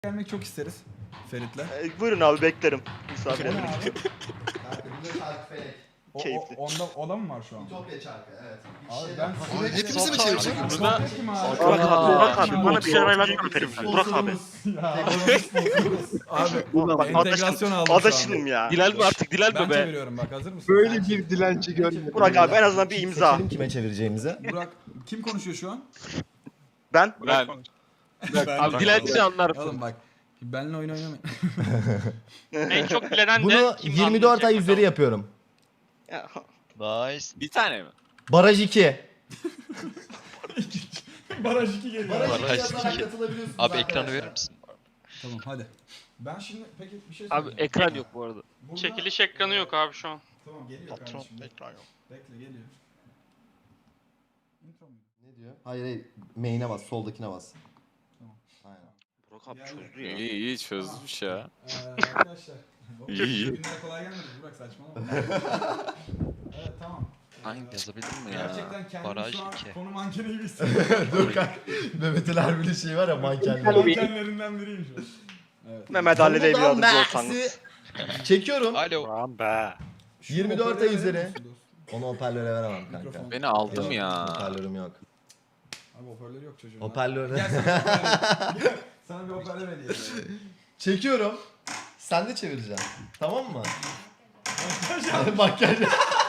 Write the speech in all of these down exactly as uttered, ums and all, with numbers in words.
gelmek çok isteriz Ferit'le. E, buyurun abi beklerim. Misafir O ne ederim. abi? Bunda çarkı felek. O, o, Keyifli. onda, o da mı var şu an? Ütopya çarkı evet. Abi Bir ben şeyden- sürekli... hepimizi mi çevirecek? Burada... Kim abi? Burak abi, Burak abi Aa, bana bir şeyler ayarlasana Ferit. Burak abi. Ya, abi Bak, entegrasyon aldım şu Adaşınım anda. ya. Dilel mi artık? Dilel Ben mi be? çeviriyorum bak, hazır mısın? Böyle bir dilenci görmedim. Burak abi en azından bir imza. Seçelim kime çevireceğimizi. Burak, kim konuşuyor şu an? Ben. Ben. Abi dilenci anlarsın. Oğlum bak, benimle oyun oynamayın. En çok bilenen de Bunu kim yirmi dört ay anlayacak üzeri yapıyorum. Ya, Nice. Bir tane mi? Baraj iki. Baraj iki geliyor. Baraj iki Baraj yazarak iki. katılabiliyorsunuz Abi ekranı arkadaşlar. verir misin? Tamam hadi. Ben şimdi peki bir şey Abi söyleyeceğim. ekran yok bu arada. Burada- Çekiliş ekranı yok abi şu an. Tamam geliyor Patron kardeşim. ekran yok. Bekle geliyor. Intro mu? Ne diyor? Hayır hayır. Main'e bas. Soldakine bas. Tamam. Aynen. Burak abi çözdü ya. İyi iyi çözmüş ya. Ee, arkadaşlar. İyi, iyi. Günler kolay gelmedi Burak, saçmalama. Evet tamam. Hangi Ee, yazabildin mi ya? Gerçekten kendimi Baraj şu an iki. konu mankeni gibi hissediyorum. Dur kanka. Mehmet'in harbi şey var ya mankenler. Mankenlerinden biriyim şu an. Evet. Mehmet Halil'e bir Buradan yardımcı olsanız. Max'i Çekiyorum. Alo. Aman be. Şu yirmi dört hoparlörü ay üzeri. verir misin dostum? Onu hoparlöre veremem kanka. Mikrofon. Beni aldım Yok, ya. Hoparlörüm yok. Abi hoparlörü yok çocuğun. Hoparlörü. Gel sana bir hoparlör- Gel, sana bir hoparlör hediye. Çekiyorum. Sen de çevireceksin. Tamam mı? Makyaj.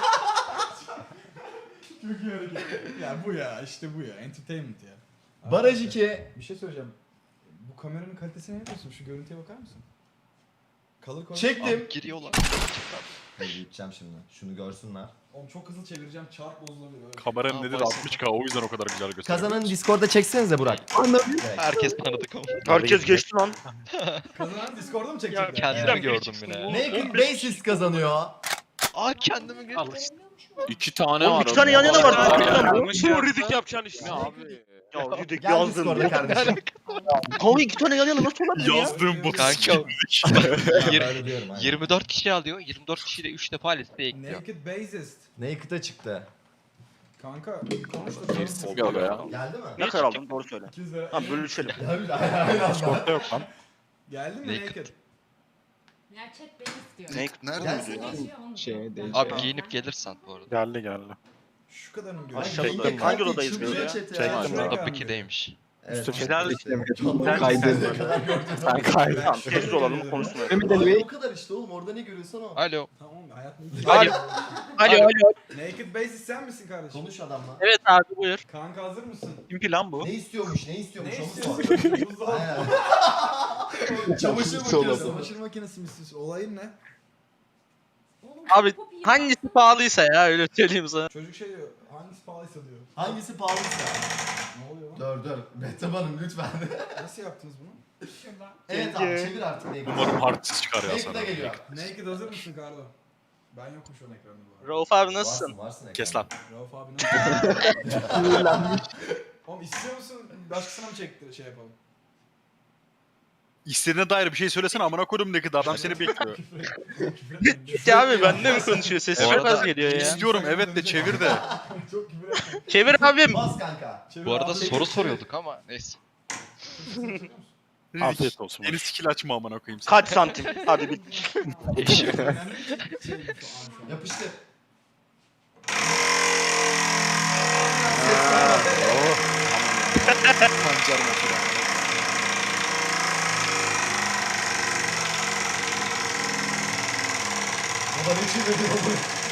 Çok iyi hareket. Ya bu ya, işte bu ya. Entertainment ya. Baraj iki. Bir şey söyleyeceğim. Bu kameranın kalitesine ne diyorsun? Şu görüntüye bakar mısın? Kalır koy. Çektim. Abi giriyorlar. Hadi gideceğim şimdi. Şunu görsünler. Oğlum çok hızlı çevireceğim. Çarp bozulabilir. Öyle. Kameranın Aa, nedir Barış. altmış K o yüzden o kadar güzel gösteriyor. Kazanın Discord'da çeksenize Burak. Evet. Herkes tanıdık ama. Herkes geçti lan. Kazanan Discord'da mı Ya çekecekler? Kendimi bizden biri gördüm çıksın. yine. Bu- Naked Basis kazanıyor. Aa kendimi gördüm. Al işte. İki tane Oğlum var. iki tane yan yana var. Abi Cidden ya. bu. Bu ridik yapacaksın işte. Ne abi? Ya Rüdük Gel yazdın. Discord'a kardeşim. Kanka iki tane yan yana nasıl olabilir ya? Yazdığım bu Kanka. Ben öyle diyorum, aynen. yirmi dört kişi alıyor. yirmi dört kişiyle üç defa listeye ekliyor. Naked Bassist. Naked'a çıktı. Kanka konuş da Bir sorun. gel ya. Geldi mi? Ne kadar aldın doğru söyle. iki yüz lira. Tamam bölüşelim. Geldi. Aynen. Discord'da yok lan. Geldi mi Naked. Naked? Ya chat beni istiyor. Ne? Nerede? Gelsin. Şey değil. Abi giyinip gelirsen bu arada. Geldi geldi. Şu kadarını Ay, görüyorum. Aşağıda yenge hangi kalbi odadayız çıldırıyor böyle ya? chat'e Çektim ya. ben. Burada Şuraya ikideymiş. Evet. Final Kaydediyor. Ne kadar gördün. Sen kaydı. Tamam sessiz olalım konuşmayalım. Abi o kadar işte oğlum, orada ne görüyorsan o. Alo. Tamam hayatım. Alo. Alo alo. Naked Bassist sen misin kardeşim? Konuş adamla. Evet abi buyur. Kanka hazır mısın? Kim ki lan bu? Ne istiyormuş, ne istiyormuş Ne onu sor. istiyorsun? Buzdolabı. Aynen. Çamaşır makinesi. Çamaşır makinesi mi istiyorsun? Olayın ne? Oğlum, Abi çok iyi. hangisi pahalıysa ya öyle söyleyeyim sana. Çocuk şey diyor. Hangisi pahalıysa diyor. Hangisi pahalıysa? Ne oluyor lan? Dur dur. Mehtap Hanım lütfen. Nasıl yaptınız bunu? Şurada. Evet abi çevir artık Naked'ı. Umarım hardsiz çıkar ya Naked sana. da geliyor. Naked hazır mısın Carlo? Ben yokum şu an ekranda bu arada. Rauf abi nasılsın? Varsın varsın ekranda. Kes lan. Rauf abi nasıl? Oğlum istiyor musun? Başkasına mı çektir şey yapalım? İstediğine dair bir şey söylesene amına koydum ne kadar adam seni bekliyor. Ya abi bende mi konuşuyor? Sesi Bu çok arada- az geliyor ya. İstiyorum evet de çevir de. Çok küfür etme. Çevir abim. Bas kanka. Çevir Bu arada abi. soru soruyorduk ama neyse. Afiyet olsun. Yeni skill açma amına koyayım seni. Kaç santim? Hadi bir. Önemli bir şey değil şu an. Yapıştır. Pancar makine. Baba ne çeviriyor bu?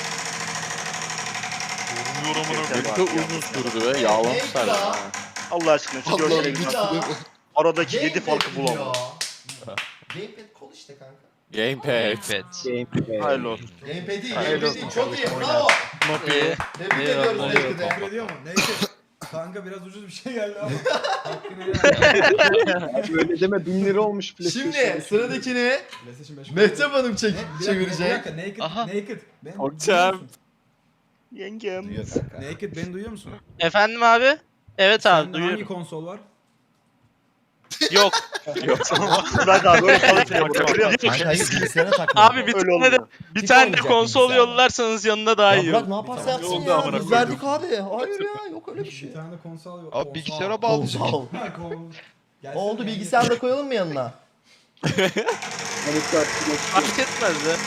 Vurmuyor amına koyayım. Çok uzun sürdü be. Yağlamışlar ya. Allah aşkına şu görsele Bir git. daha. Aradaki yedi farkı Gamepad bulamam. diyor. Gamepad kol işte kanka. Gamepad. Evet. Hayırlı olsun. Gamepad iyi, Hayırlı gamepad iyi. Çok iyi. Bravo. Ee, Tebrik Eyvallah, ediyoruz eyvallah. Naked'e. Küfür ediyor mu? Neyse. Kanka biraz ucuz bir şey geldi ama. Hakkını helal. Öyle deme, bin lira olmuş PlayStation. Şimdi sıradakini PlayStation beş. Mehtap Hanım çek Ne? Bir dakika, Bir çevirecek. dakika, Naked, Aha. Naked. Ben, Hocam. Yengem. Duyuyor kanka. Naked beni duyuyor musun? Efendim abi? Evet abi Sende hangi duyuyorum. konsol var? Yok. Burak abi böyle çalışıyor burada. Görüyor musun? Kanka hayır bilgisayara takma. Abi bir Öyle tane de olmuyor. bir Hiç tane de olmayacak konsol bilgisayar. yollarsanız yanına daha Ya iyi bırak olur. ne yaparsa yapsın Yolda ya. amına Biz koydum. verdik abi. Hayır ya yok öyle bir şey. Bir tane de konsol yok. Abi Konsol. bilgisayara bağlayacak. Konsol. Ha, kol- Gelsene Oldu Naked. bilgisayarda koyalım mı yanına? Fark etmez ya.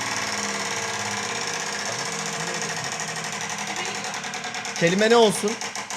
Kelime ne olsun?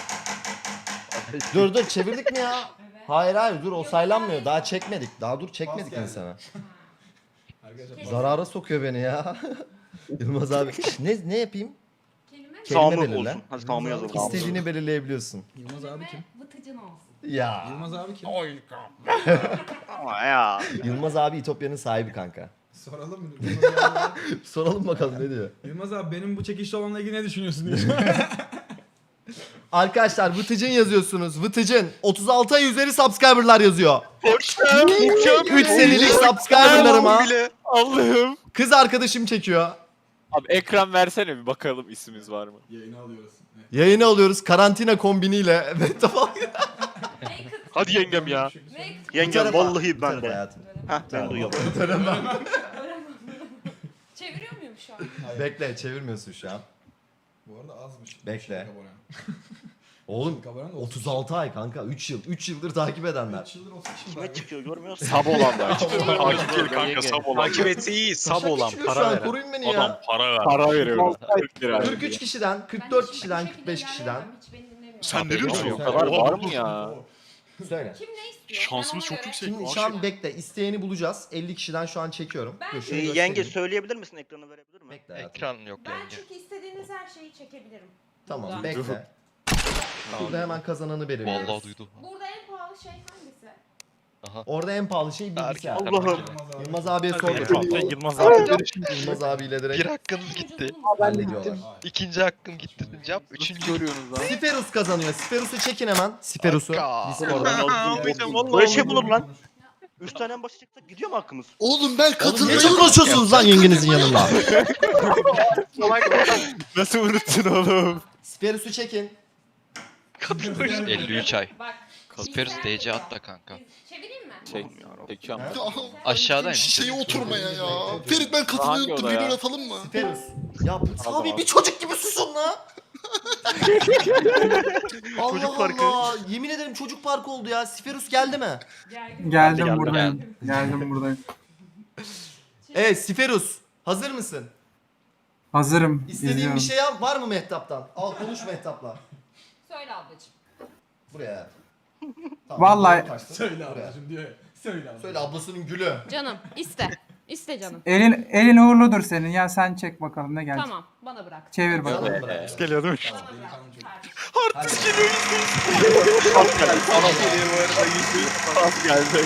Dur dur çevirdik mi ya? Evet. Hayır hayır dur o saylanmıyor. Daha çekmedik. Daha dur çekmedik geldi. insana. Arkadaşlar Zarara sokuyor beni ya. Yılmaz abi. Ne ne yapayım? Kelime mi? Kelime Sağımlık belirle. olsun. Hadi sağımı yazalım. İstediğini belirleyebiliyorsun. Yılmaz abi kim? Vıtıcın olsun. Ya. Yılmaz abi kim? Ama ya. Yılmaz abi İtopya'nın sahibi kanka. Soralım mı? Yılmaz abi, Soralım bakalım ne diyor. Yılmaz abi benim bu çekişli olanla ilgili ne düşünüyorsun diye. Arkadaşlar Vıtıcın yazıyorsunuz. Vıtıcın. otuz altı ay üzeri subscriber'lar yazıyor. üç senelik subscriber'larıma Allah'ım. kız arkadaşım çekiyor. Abi ekran versene bir bakalım ismimiz var mı? Yayını alıyoruz. Evet. Yayını alıyoruz karantina kombiniyle. Evet tamam. Hadi yengem ya. Naked. Yengem vallahi Bu ben tarafa de. hayatım. Heh ben duyuyorum. Çeviriyor muyum şu an? Bekle çevirmiyorsun şu an. Bu arada azmış. Bekle. Şırık abonem. Oğlum Şırık abonem de otuz altı ay kanka üç yıl. üç yıldır takip edenler. üç yıldır otuz kişi Kime var. çıkıyor görmüyorsun? Sab olanlar. Takip değil kanka sab olan. Takip etse iyi. Sab Kaç olan kişi şu para an? veren. Koruyun beni Adam ya. para ver. Para veriyorum. kırk lira. kırk üç kişiden, kırk dört kişiden, kırk beş kişiden. Sen ne diyorsun? O kadar var mı ya? Söyle. Kim ne istiyor? Şansımız Ben çok ona yüksek. Şimdi Aşık. şu an bekle. İsteyeni bulacağız. elli kişiden şu an çekiyorum. Ben- Dur, Ee, şunu yenge göstereyim. söyleyebilir misin ekranı verebilir mi? Bekle hayatım. Ekran yok Ben yenge. çünkü istediğiniz her şeyi çekebilirim. Tamam Burada. bekle. Burada hemen kazananı belirliyoruz. Vallahi duydum. Burada en pahalı şey hangisi? Orada en pahalı şey bilgisayar. Allah'ım. Yılmaz abi. Yılmaz abiye Hadi sorduk. Yılmaz abi. Yılmaz abiyle direkt Bir hakkınız gitti. hallediyorlar. İkinci hakkım gitti. Cevap üçüncü. Görüyorsunuz lan. Siferus kazanıyor. Siferus'u çekin hemen. Siferus'u. Hakka. Discord'dan. Böyle şey bulur lan. Üç tane en başı çıksak gidiyor mu hakkımız? Oğlum ben Oğlum niye katılmıyorum. çok konuşuyorsunuz lan yengenizin yanında? Nasıl unuttun oğlum? Siferus'u çekin. elli üç ay. Bak. Sperus D C atla kanka. Çevireyim mi? Çek. Çekiyorum. Aşağıdayım. Şişeye oturmaya ya. Ferit ben Hangi katılmayı unuttum. oda ya? Rol atalım mı? Siferus. Ya bu- Tamam. abi bir çocuk gibi susun lan. Allah Çocuk parkı. Allah. Yemin ederim çocuk parkı oldu ya. Siferus geldi mi? Geldim. Geldim, Geldim. buradayım. Geldim buradayım. Evet Siferus. Hazır mısın? Hazırım. İstediğin izliyorum. bir şey al. Var mı Mehtap'tan? Al konuş Mehtap'la. Söyle ablacığım. Buraya. Tamam, Vallahi- kaçtın. Söyle Buraya. ablacım diyor ya. Söyle abi. Söyle ablasının gülü. Canım iste. İste canım. Elin, elin uğurludur senin. Ya sen çek bakalım ne gelecek. Tamam bana bırak. Çevir Sana bakalım. mı bırak? Geliyor değil mi? Bana bırak. Kardeşim. Hadi. Az geldi.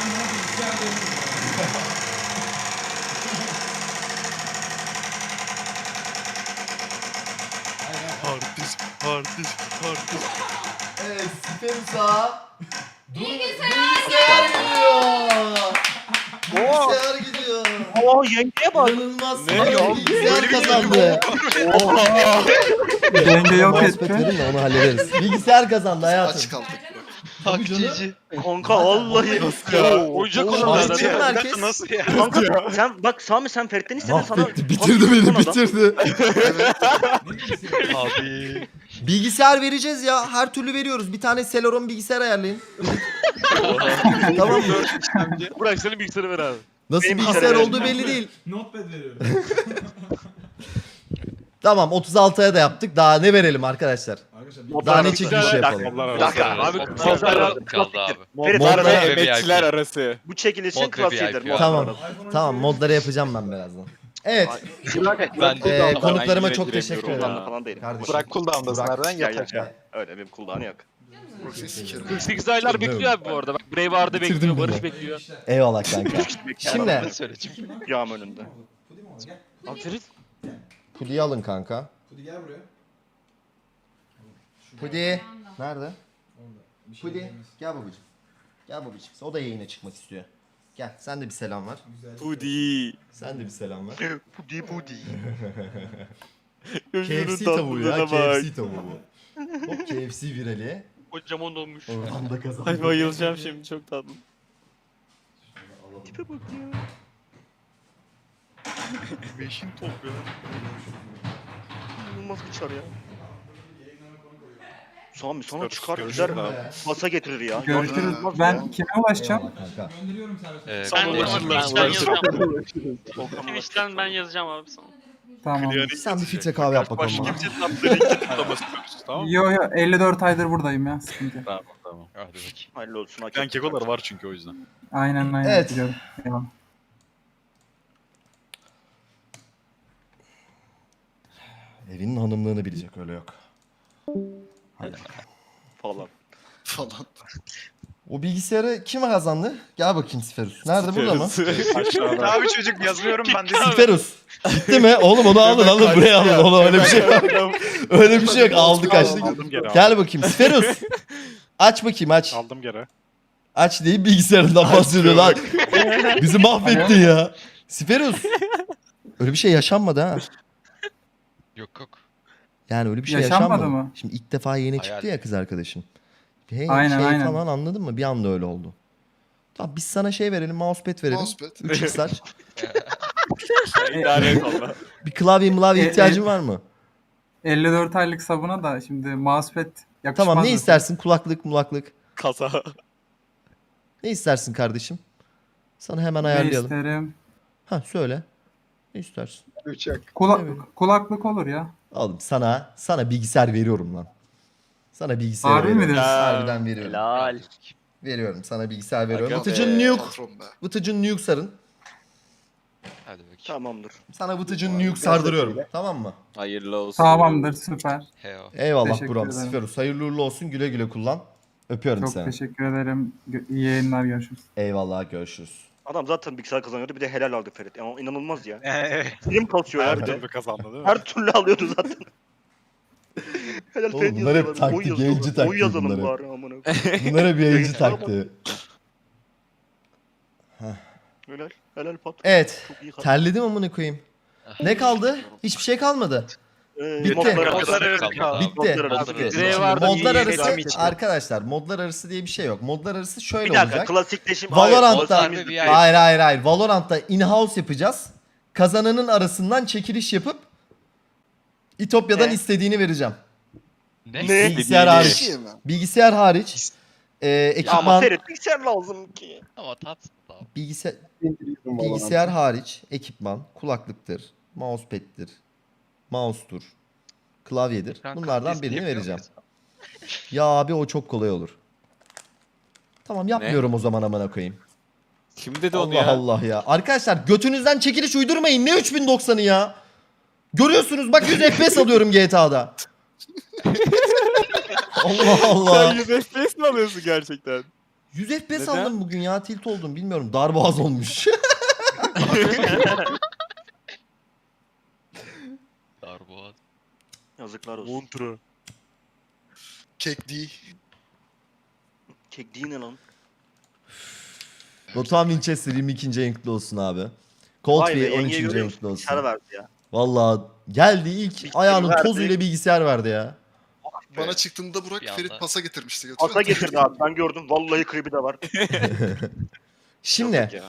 Artist, artist, artist. Evet Siferus'a. Bilgisayar Bilgisayar gidiyor. Bilgisayar gidiyor. Oo yengeye bak. İnanılmaz. Ne Bak, ya? Bilgisayar kazandı. Yenge yok Mousepad etti. verin de onu hallederiz. Bilgisayar kazandı Aç hayatım. kaldık. Takçici. Kanka vallahi. Oyuncak Oğlum, olan Nasıl ya? adam. Herkes- Nasıl ya? Kanka sen bak Sami sen Ferit'ten istedin sana. Mahvetti, bitirdi beni, bitirdi. Abi. Bilgisayar vereceğiz ya, her türlü veriyoruz. Bir tane Celeron bilgisayar ayarlayın. Tamam mı? Bırak senin bilgisayarı ver abi. Nasıl Benim bilgisayar bilgisayarı olduğu belli değil. Notepad veriyorum. Tamam otuz altıya da yaptık. Daha ne verelim arkadaşlar? Arkadaşlar Daha ne Bir çekiliş dakika, yapalım? Bir dakika. Abi Abi modlar kaldı abi. Ferit Modlar- harbi Modlar ve emekçiler V I P. arası. bu çekilişin Mod ve klasiğidir. V I P mod. Tamam. iPhone'un Tamam modları yapacağım ben birazdan. Evet. Ben Ee, de konuklarıma Ben çok yine teşekkür giremiyorum ederim. Cooldown'da falan değilim. Kardeşim. Bırak cooldown'dasın Burak. harbiden Gel yatar. gel gel. Öyle benim cooldown'ı yok. kırk sekiz aylar bekliyor abi bu arada. Bak Brave Arda Bitirdim bekliyor, bile. Barış bekliyor. Eyvallah kanka. Şimdi Ben söyleyeceğim. Yağım önünde. Pudi mi o? Gel. Abi Ferit. Pudi'yi alın kanka. Pudi gel buraya. Pudi. Nerede? Orada. Bir şey Pudi. diyemez. Gel babacığım. Gel babacığım. O da yayına çıkmak istiyor. Gel sen de bir selam ver. Güzel. Pudi. Sen de bir selam ver. Pudi pudi. K F C tavuğu ya. K F C tavuğu bu. Hop K F C virali. Kocaman olmuş. Oradan da kazandı. Ay bayılacağım şimdi çok tatlı. Tipe bak ya. Beşin top ya. İnanılmaz bir çar ya. Sami sonra çıkar Görüşürüz gider abi. masa getirir ya. Görüşürüz. Yalnız olmaz Ben ya. kime ulaşacağım? Eyvallah kanka. Ee, Ben ben Twitch'ten yazacağım. Volkan Twitch'ten ben yazacağım abi sana. Tamam. Sen bir filtre kahve yap bakalım Başka bana. kimsenin attığı linki tıklamasın. Tamam mı? Yo yo elli dört aydır buradayım ya, sıkıntı yok. Tamam tamam. Hadi bakayım. Hayırlı olsun. hak Ben ettin kekolar kardeşim. var çünkü o yüzden. Aynen aynen Evet. biliyorum. Eyvallah. Evinin hanımlığını bilecek, öyle yok. Falan. Falan. O bilgisayarı kim kazandı? Gel bakayım Siferus. Nerede, burada mı? Aşağıda. Abi çocuk yazıyorum ben de. Siferus. Gitti mi? Oğlum onu alın alın buraya alın. Oğlum öyle bir şey yok. Öyle bir şey yok. Aldı kaçtı. Aldım geri aldım. Gel bakayım Siferus. Aç bakayım, aç. Aldım geri. Aç deyip bilgisayarından bahsediyor lan. Bizi mahvettin ya. Siferus. Öyle bir şey yaşanmadı ha. Yok yok. Yani öyle bir şey Yaşanmadı yaşanmadı. mı? Şimdi ilk defa yeni Hayal. çıktı ya kız arkadaşım. Hey, Aynen, şey aynen. falan, anladın mı? Bir anda öyle oldu. Tamam, biz sana şey verelim, mousepad verelim. Mousepad. üç x aç. İdare et valla. Bir klavye mılavye E, ihtiyacın e, var mı? elli dört aylık sabuna da şimdi mousepad yakışmaz. Tamam, ne mı? istersin? Kulaklık mulaklık. Kasa. Ne istersin kardeşim? Sana hemen Ne ayarlayalım. isterim? Ha söyle. Ne istersin? Kula- Evet. Kulaklık olur ya. Oğlum sana sana bilgisayar veriyorum lan. Sana bilgisayar Harbi veriyorum. mi diyorsun? Harbiden veriyorum. Helal. Veriyorum sana bilgisayar veriyorum. Aga Vıtıcın be. nuke. Patron be. Vıtıcın nuke sarın. Hadi bakayım. Tamamdır. Sana vıtıcın nuke sardırıyorum. Tamam mı? Hayırlı olsun. Tamamdır, süper. Heo. Eyvallah Teşekkür buram. ederim. Siferus. Hayırlı uğurlu olsun. Güle güle kullan. Öpüyorum Çok seni. teşekkür ederim. Gö- İyi yayınlar, görüşürüz. Eyvallah, görüşürüz. Adam zaten bilgisayar kazanıyordu bir de helal aldı Ferit. Ama inanılmaz ya. Film kasıyor ya Her bir de. türlü kazandı değil mi? Her türlü alıyordu zaten. helal Oğlum Ferit bunlar hep yazıyorlar. taktik, Oy yazıyorlar. yayıncı Oy taktiği yazalım bunlar hep. bari amına koyayım. Bunlar hep yayıncı Yayıncılara bak. taktiği. Helal. Helal patron. Evet. Çok iyi kadın. Terledim amına koyayım. Ne kaldı? Hiçbir şey kalmadı. Ee, Bitti. modlar Modlar arası. arası kaldı. Bitti. Modlar arası. Bitti. Modlar Şimdi arası. vardı, modlar iyi arası reklam için. arkadaşlar, modlar arası diye bir şey yok. Modlar arası şöyle Bir dakika olacak. klasikleşim. Valorant'ta Hayır, Modlar bir hayır, yer. hayır hayır hayır. Valorant'ta in-house yapacağız. Kazananın arasından çekiliş yapıp İtopya'dan Ne? istediğini vereceğim. Ne? Ne? Bilgisayar Bir hariç. şey mi? Bilgisayar hariç. Ee, Ya ama ekipman Ferit bilgisayar lazım ki. Ama tatlı. Tamam. bilgisayar bilgisayar hariç ekipman, kulaklıktır, mousepad'tir, mouse'tur, klavyedir. Ekran Bunlardan kalitesi birini yapıyor vereceğim. muyuz? Ya abi o çok kolay olur. Tamam yapmıyorum o zaman, amına koyayım. Kim dedi onu Allah ya? Allah ya. Arkadaşlar götünüzden çekiliş uydurmayın. Ne üç bin doksanı ya? Görüyorsunuz bak, yüz F P S alıyorum G T A'da. Allah Allah. Sen yüz F P S mi alıyorsun gerçekten? yüz F P S Neden? aldım bugün ya, tilt oldum bilmiyorum. Darboğaz olmuş. Darboğaz. Yazıklar olsun. Montre. Kek değil. Kek değil ne lan? Batuhan Winchester yirmi ikinci ayın kutlu olsun abi. Coldplay yengeye on üçüncü görüyor ayın musun? kutlu Bilgisayar olsun. verdi ya. Valla geldi ilk Bilgisayar ayağının verdi. tozuyla bilgisayar verdi ya. Bana çıktığında Burak Bir Ferit anda. pasa getirmişti. Asa getirdi abi ben gördüm. Vallahi klibi de var. Şimdi Yazık ya.